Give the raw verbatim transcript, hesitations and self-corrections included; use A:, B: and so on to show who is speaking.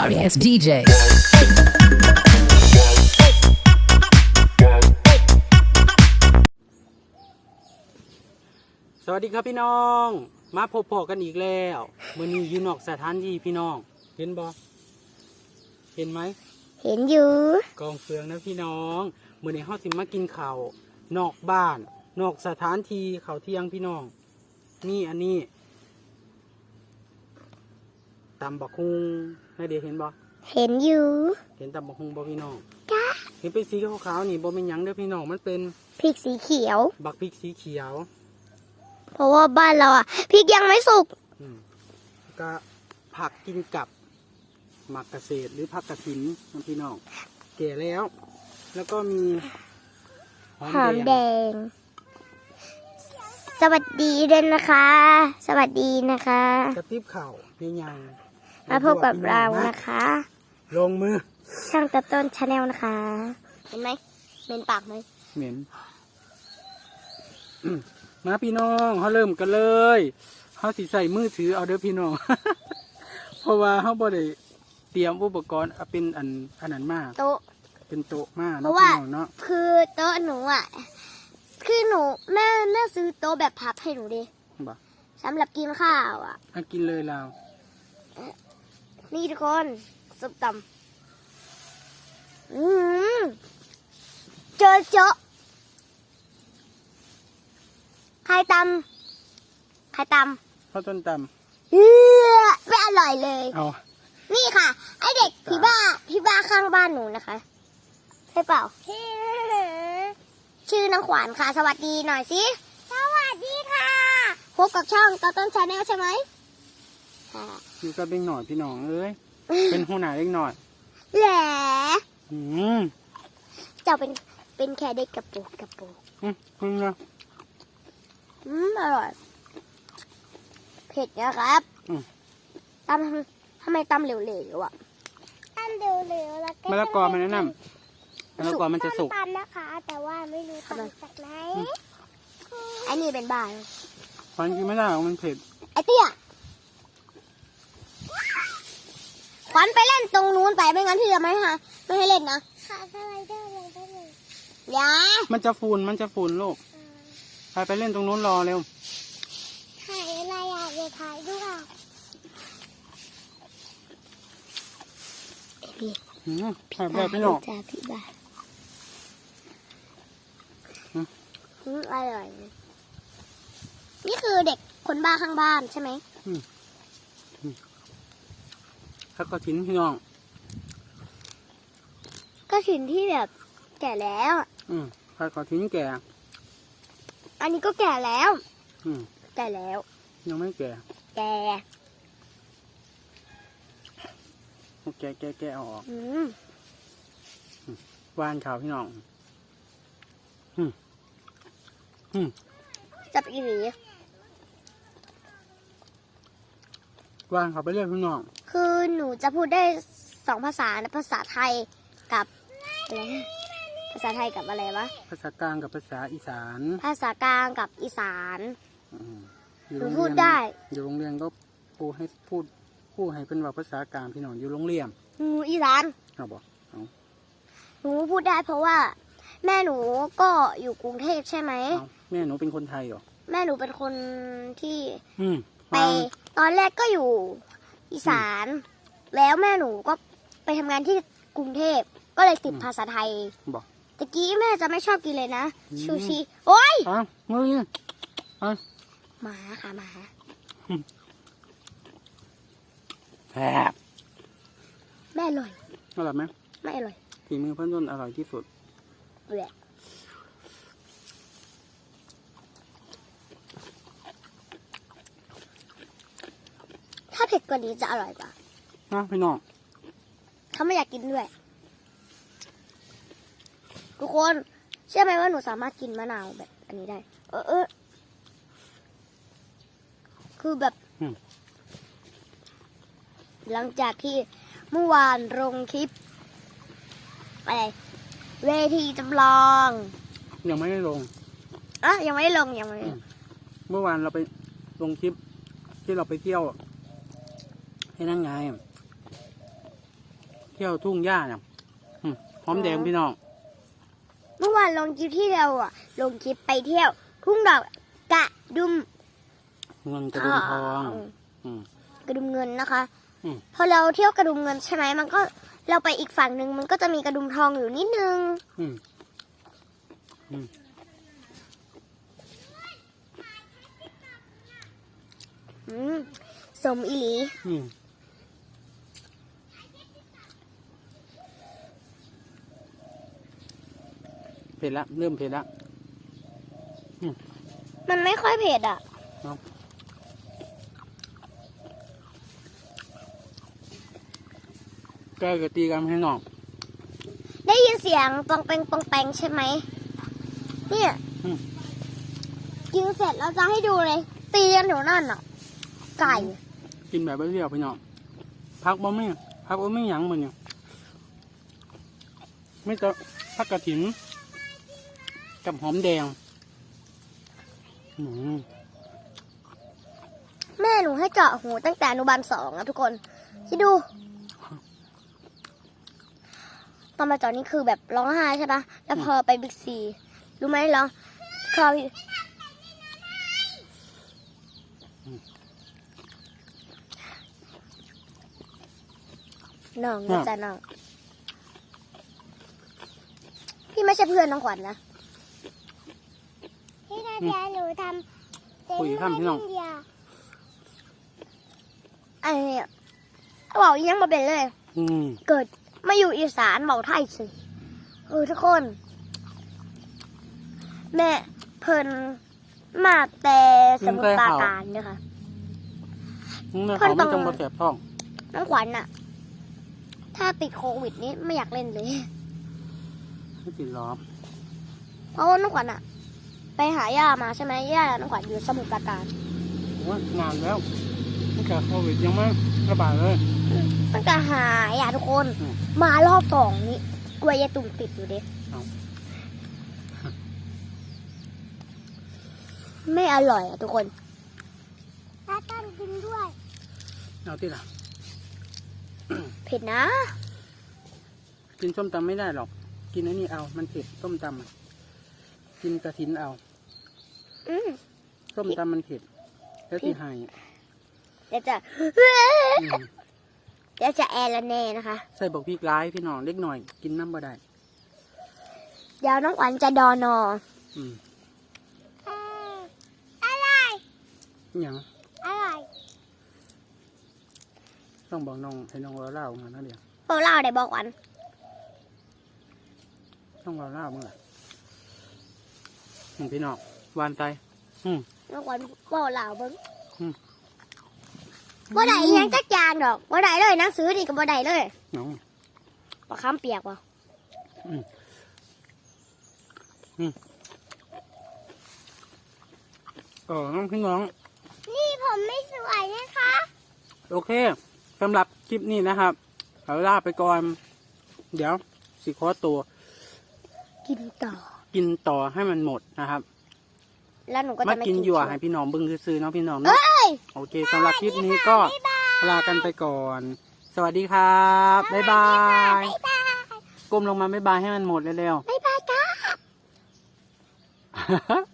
A: sorry ass ดี เจ
B: สวัสดีครับพี่น้องมาพบพอกันอีกแล้วมื้อนี้อยู่นอกสถานที่พี่น้องเห็นบ่เห็นไหม
C: เห็นอยู่
B: กองเฟืองนะพี่น้องมื้อนี้เฮาสิมากินข้าวนอกบ้านนอกสถานที่ข้าวเที่ยงพี่น้องนี่อันนี้ตำบักฮุงให้เด็กเห็นบ่
C: เห็นอยู่
B: เห็นตำบักฮุงบ่พี่น้อง
C: จ้า
B: เห็นเป็นสีขาวๆนี่บ่เป็นหยังเด้อพี่น้องมันเป็น
C: พริกสีเขียว
B: บักพริกสีเขียว
C: เพราะว่าบ้านเราอ่ะพริกยังไม่สุก
B: ก็ผักกินกับหมักเกษตรหรือผักกระถินนะพี่น้องแก่แล้ว แล้วก็มี
C: หอมแดงสวัสดีด้วยนะคะ สวัสดีนะคะ
B: กระติบเข่าในยัง
C: มาพบกับเรานะคะ
B: ลงมือ
C: ช่างตัดต้นชาแนลนะคะเห็นไหมเหม็นปากไหม
B: เหม็นมาพี่น้องเขาเริ่มกันเลยเขาสิใส่มือถือเอาเด้อพี่น้อง เพราะว่าเขาบ่ได้เตรียมอุปกรณ์เป็นอันอันนั้นมาก
C: โต๊ะ
B: เป็นโต๊ะมากเนาะพี่น้องเนาะ
C: คือโต๊ะหนูอ่ะคือหนูแม่แม่ซื้อโต๊ะแบบพับให้หนูดิสำหรับกินข้าวอ่ะ
B: ให้กินเลยเรา
C: นี่ทุกคนซุปตำอืมเจอเจาะใครตำใครต
B: ำข้าวต้นต
C: ำเออไม่อร่อยเลย
B: เอา
C: นี่ค่ะไอเด็กพี่บ้าพี่บ้าข้างบ้านหนูนะคะใช่เปล่าชื่อนางขวัญค่ะสวัสดีหน่อยสิสวัสดีค่ะพบกับช่องต้นต้นชาแนลใช่ไหม
B: ค่ะนี่ก็เป็นหน่อยพี่น้องเอ้ยเป็นหัวหน้าเล็กหน่อย
C: แหละ
B: อืม
C: เจ้าเป็นเป็นแค่เด็กกระปุกกระปุก
B: อืมอืมนะ
C: อืมอร่อยเผ็ดนะครับตำทำไมตำเหลวๆอ่ะตำเหลวๆแล้วก็
B: มะละกอมันแนะนำมะละกอมันจะสุก
C: ตำนะคะแต่ว่าไม่รู้ตำจากไหนไอ้นี่เป็นบ้า
B: ขวัญกินไม่ได้มันเผ็ด
C: ไอ้เตี้ยขวัญไปเล่นตรงนู้นไปไม่งั้นพี่จะไม่ฮะไม่ให้เล่นนะขาสไลเดอร์ลงได้เลยยา
B: มันจะฝุ่นมันจะฝุ่นลูกไปไปเล่นตรงนู้นรอเร็ว
C: ถ่ายอะไรอ่ะเดี๋ยวถ่ายด้วย
B: อืมถ่ายแบบพี่น้อง
C: จ้าพี่บ้าอืมอร่อยนี่คือเด็กคนบ้าข้างบ้านใช่ไหมอืม
B: ถ้าก็ทิ้นพี่น้อง
C: ก็ทิ้นที่แบบแก่แล้ว
B: อืมถ้าก็ทิ้นแก่
C: อันนี้ก็แก่แล้ว
B: อืม
C: แก่แล้ว
B: ยังไม่แก่
C: แก่
B: แก่แก่แก่เอาออก
C: อืม
B: วานขาวพี่น้องอืมอืม
C: จับอีหลี
B: วานขาวไปเรื่อยพี่น้อง
C: คือหนูจะพูดได้สองภาษานะภาษาไทยกับอะไรภาษาไทยกับอะไรวะ
B: ภาษากลางกับภาษาอีสาน
C: ภาษากลางกับอีสาน
B: หนู
C: พูดได้
B: อยู่โรงเรียนก็พูดให้พูดพูดให้เป็นว่าภาษากลางพี่น้องอยู่โรงเรียน
C: หนูอีสาน
B: เอาบอกเอา
C: หนูพูดได้เพราะว่าแม่หนูก็อยู่กรุงเทพใช่ไหม
B: แม่หนูเป็นคนไทยเหรอ
C: แม่หนูเป็นคนที่
B: ไป
C: ตอนแรกก็อยู่อีสานแล้วแม่หนูก็ไปทำงานที่กรุงเทพก็เลยติดภาษาไทย
B: บอก
C: ตะกี้แม่จะไม่ชอบกินเลยนะชูชีโอ้ย
B: อ้าวมืออ้าว
C: หมาค่ะหมา
B: แซ่บ
C: แม่อร่อย
B: อร่อยไหม
C: ไม่อร่อย
B: ฝีมือเพื่อนต้นอร่อยที่สุด
C: แหละถ้าเผ็ดกว่านี้จะอร่อยกว่า
B: นะพี่น้อง
C: เขาไม่อยากกินด้วยทุกคนเชื่อไหมว่าหนูสามารถกินมะนาวแบบอันนี้ได้เออเออคือแบบหลังจากที่เมื่อวานลงคลิปอะไรเวทีจำลอง
B: ยังไม่ได้ลง
C: อ่ะยังไม่ได้ลงยังไม่
B: เมื่อวานเราไปลงคลิปที่เราไปเที่ยวให้นั่งไงเที่ยวทุ่งหญ้าเนี่ยอืมหอมแดงพี่น้อง
C: เมื่อวานลงคลิปที่เราอ่ะลงคลิปไปเที่ยว ทุ่งดอกกระดุม
B: เงินกระดุมทองอืม
C: กระดุมเงินนะคะ
B: อืม
C: พอเราเที่ยวกระดุมเงินใช่ไหมมันก็เราไปอีกฝั่งหนึ่งมันก็จะมีกระดุมทองอยู่นิดนึง
B: อืมอืม
C: อืมสมอีหลี
B: อืมเผ็ดละเริ่มเผ็ดละ
C: มันไม่ค่อยเผ็ดอ่ะ
B: แกก็ตีกันให้น้อง
C: ได้ยินเสียงปองแปงปองแปงใช่ไหมเนี่ย
B: อืม
C: กินเสร็จเราจะให้ดูเลย ตีกันอยู่นั่นอ่ะ ไก่
B: กินแบบเรียวๆพี่น้องพักบ่ไม่พักบ่ไม่หยังมันเนี่ยไม่ต้องพักกระถินกับหอมแดงอืม
C: แม่หนูให้เจาะหูตั้งแต่อนุบาลสองนะทุกคนคิดดู ตอนมาเจาะนี่คือแบบร้องไห้ใช่ปะแล้วพอไปบิ๊กซีรู้ไหมร้องคอน้องนะจ๊ะน้องพี่ไม่ใช่เพื่อนน้องขวัญนะพี่นาเดียหนูทำ
B: คุยข้ามพี่น้อง
C: ไอ้เนี่ยบอกยังมาเป็นเลย
B: อืม
C: เกิดมาอยู่อีสานบอกไทยสิเออทุกคน แม่เพิ่นมาแต่สมุทรปราการเนี่ยค่ะ
B: นี่เขาไม่จงมาแสบท้อง
C: น้องขวัญน่ะ ถ้าติดโควิดนี้ไม่อยากเล่นเลย
B: ไม่ติดหรอ
C: เพราะว่าน้องขวัญอ่ะ ไปหาย่ามาใช่ไหมย่าน้องขวัญอยู่สมุทรปราการ
B: ว่านานแล้วตั้งแต่โควิดยังไม่ระบาดเลย
C: ตั้งแต่หายอ่ะทุกคน
B: อืม
C: มารอบสองนี้กลัวยายตุ่มติดอยู่เด็
B: เอา
C: ไม่อร่อยอ่ะทุกคนตาตั้งกินด้วย
B: เอาที่ละ
C: เผ็ดนะ
B: กินส้มตำไม่ได้หรอก กินอันนี้เอา มันเผ็ดส้มตำอะกินกระถินเอา
C: อืม
B: ส้มตำมันเผ็ดแล้วที่หาย
C: เดี๋ยวจะ
B: อืม
C: เดี๋ยวจะแอร์ละแน่นะคะ
B: ใส่บอกพริกร้ายพี่น้องเล็กหน่อย กินน้ำบ่ได้
C: เดี๋ยวน้องขวัญจะดอนอ
B: อืม
C: อะไร
B: หยัง
C: อะไร
B: ต้องบอกน้องให้น้องเราเล่ามานะเดี๋ยว
C: โปรเล่าได้บอกขวัญ
B: ต้องเราเล่าเมื่อไหร่อืมพี่น้องวานใจอืม
C: น้องขวัญโปรเล่าเบิ้ง
B: อืม
C: บ่ได้อิหยังจักอย่างดอกบ่ได้เลยหนังสือนี่ก็บ่ได้เลย
B: น้อง
C: ปลาคำเปียกว่ะ
B: อืมอืมเออน้องพี่น้อง
C: นี่ผมไม่สวยนะคะ
B: โอเคสำหรับคลิปนี้นะครับเอาลาไปก่อน เดี๋ยวสิขอตัว
C: กินต่อ
B: กินต่อให้มันหมดนะครับ
C: แล้วหนูก็
B: มา
C: จะไม่
B: กินหยวให้พี่น้องเบึ้งซื้อๆเนาะพี่น้องเนาะโอเคสำหรับคลิปนี้ก็ลากันไปก่อน สวัสดีครับบ๊ายบายก้มลงมาบ๊ายบายให้มันหมดเร็ว
C: บ๊ายบายจ้า
B: ๆ